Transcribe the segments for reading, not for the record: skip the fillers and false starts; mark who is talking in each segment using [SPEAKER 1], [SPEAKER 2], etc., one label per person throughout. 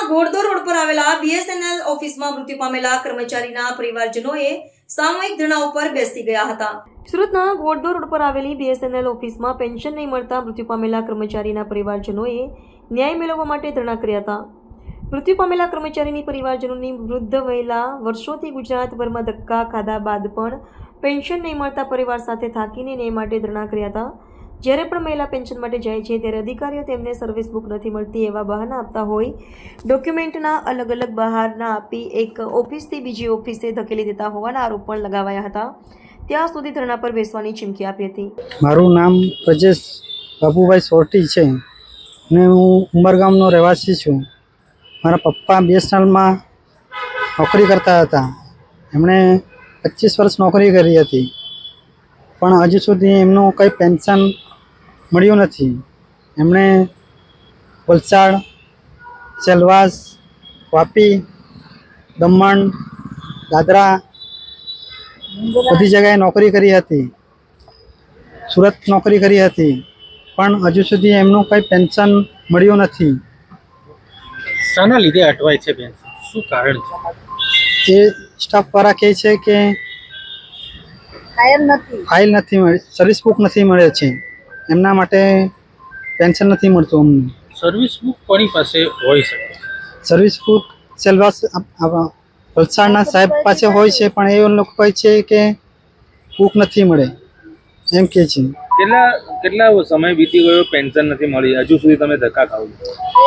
[SPEAKER 1] ઘોડદોર road પર આવેલા BSNL ઓફિસમાં મૃત્યુ પામેલા કર્મચારીના પરિવારજનોએ સામૂહિક ધરણા ઉપર બેસી ગયા હતા। સુરતના ઘોડદોર રોડ પર આવેલી બીએસએનએલ ઓફિસમાં પેન્શન નહીં મળતા મૃત્યુ પામેલા કર્મચારીના પરિવારજનોએ ન્યાય મેળવવા માટે ધરણા કર્યા હતા। મૃત્યુ પામેલા કર્મચારીની પરિવારજનોની વૃદ્ધ મહિલા વર્ષોથી ગુજરાતભરમાં ધક્કા ખાધા બાદ પણ પેન્શન નહીં મળતા પરિવાર સાથે થાકીને ન્યાય માટે ધરણા કર્યા હતા। જ્યારે પણ મહિલા પેન્શન માટે જાય છે ત્યારે અધિકારીઓ તેમને સર્વિસ બુક નથી મળતી એવા બહાના આપતા હોય ડોક્યુમેન્ટના અલગ અલગ બહાના આપી એક ઓફિસથી બીજી ઓફિસે ધકેલી દેતા હોવાના આરોપ પણ લગાવાયા હતા। ત્યાં સુધી ધરણા પર બેસવાની ચીમકી આપી હતી।
[SPEAKER 2] મારું નામ પ્રજેશ બાબુભાઈ સોરટી છે અને હું ઉમરગામનો રહેવાસી છું। મારા પપ્પા બીએસએનએલમાં નોકરી કરતા હતા। એમણે 25 વર્ષ નોકરી કરી હતી, પણ હજુ સુધી એમનું કંઈ પેન્શન મળ્યું નથી। એમણે વલસાડ, સેલવાસ, વાપી, દમણ, દાદરા બધી જગ્યાએ નોકરી કરી હતી, સુરત નોકરી કરી હતી, પણ હજુ સુધી એમનું કંઈ પેન્શન મળ્યું નથી।
[SPEAKER 3] શાના લીધે અટવાય છે પેન્શન? શું કારણ છે?
[SPEAKER 2] એ સ્ટાફવાળા કહે છે કે ફાઇલ નથી મળી, સર્વિસ બુક નથી મળે છે, એમના માટે પેન્શન નથી મળતું અમને।
[SPEAKER 3] સર્વિસ બુક કોની પાસે હોઈ શકે?
[SPEAKER 2] સર્વિસ બુક સેલવાસ વલસાડના સાહેબ પાસે હોય છે, પણ એ લોકો કહે છે કે બુક નથી મળે એમ કહે છે।
[SPEAKER 3] કેટલા સમય વીતી ગયો, પેન્શન નથી મળી, હજુ સુધી તમે ધક્કા ખાવ છો?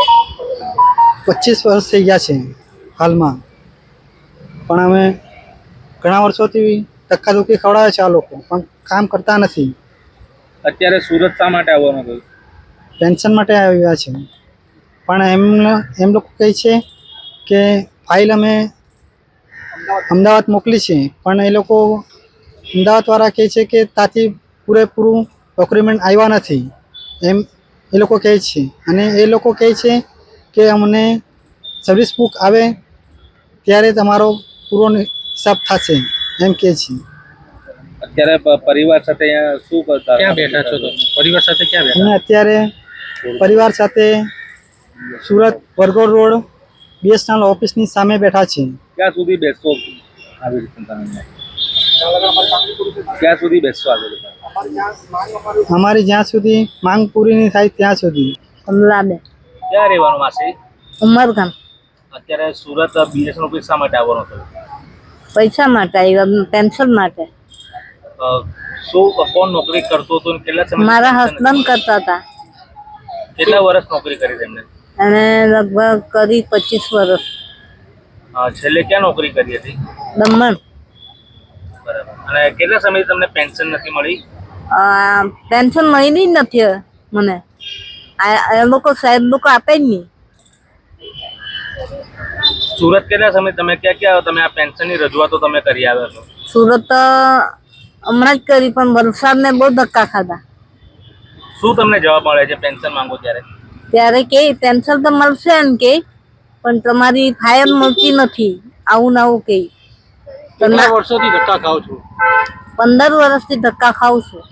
[SPEAKER 2] 25 વર્ષ થઈ ગયા છે હાલમાં, પણ અમે ઘણા વર્ષોથી ધક્કાધુક્કી ખવડાવે છે આ લોકો, પણ કામ કરતા નથી।
[SPEAKER 3] અત્યારે સુરત શા માટે આવવાનું થયું?
[SPEAKER 2] પેન્શન માટે આવ્યા છે, પણ એમ લોકો કહે છે કે ફાઇલ અમે અમદાવાદ મોકલી છે, પણ એ લોકો અમદાવાદવાળા કહે છે કે ત્યાંથી પૂરેપૂરું ડોક્યુમેન્ટ આવ્યા નથી એમ એ લોકો કહે છે। અને એ લોકો કહે છે કે અમને સર્વિસ બુક આવે ત્યારે તમારો પૂરો હિસાબ થશે એમ કહે છે।
[SPEAKER 3] અત્યારે પરિવાર સાથે અહીંયા શું કરતા? ક્યાં બેઠા છો તમે? પરિવાર સાથે ક્યાં બેઠા?
[SPEAKER 2] અમે અત્યારે પરિવાર સાથે સુરત વરગોડ રોડ બીએસએનએલ ઓફિસની સામે બેઠા છીએ।
[SPEAKER 3] ક્યાં સુધી બેસશો આવી રીતે તમે? ક્યાં સુધી બેસશો આવી રીતે?
[SPEAKER 2] અમારી જ્યાં સુધી માંગ પૂરી નહીં થાય ત્યાં સુધી।
[SPEAKER 4] કમલાબેન
[SPEAKER 3] ક્યાં રહેવાનું માસી?
[SPEAKER 4] ઉમરગામ।
[SPEAKER 3] અત્યારે સુરત બીએસએનએલ ઓફિસ શા માટે આવવાનું થયું?
[SPEAKER 4] પૈસા માટે આવ્યા, પેન્શન માટે।
[SPEAKER 3] શું કોણ નોકરી કરતો હતો? કેટલા સમય?
[SPEAKER 4] મારા હસબન્ડ કરતા હતા,
[SPEAKER 3] કેટલા વર્ષ નોકરી કરી તેમને?
[SPEAKER 4] અને લગભગ કરી 25 વર્ષ।
[SPEAKER 3] છેલ્લે ક્યાં નોકરી કરી હતી?
[SPEAKER 4] દમણ।
[SPEAKER 3] બરાબર। અને કેટલા સમયથી તમને પેન્શન નથી મળી?
[SPEAKER 4] પેન્શન મળી જ નથી મને, એ લોકો સાહેબ લોકો આપે જ નહીં।
[SPEAKER 3] સુરત કેટલા સમય તમે ક્યાં તમે આ પેન્શનની રજૂઆતો તમે કરી આવ્યા છો?
[SPEAKER 4] સુરત હમણાં જ કરી, પણ વલસાડને બહુ ધક્કા ખાધા।
[SPEAKER 3] શું તમને જવાબ મળે છે પેન્શન માંગો ત્યારે?
[SPEAKER 4] ત્યારે કે પેન્શન તો મળશે એમ કે, પણ તમારી ફાઇલ મળતી નથી, આવું ને આવું કે।
[SPEAKER 3] કેટલા વર્ષોથી ધક્કા ખાવ છો?
[SPEAKER 4] 15 વર્ષથી ધક્કા ખાઉં છું।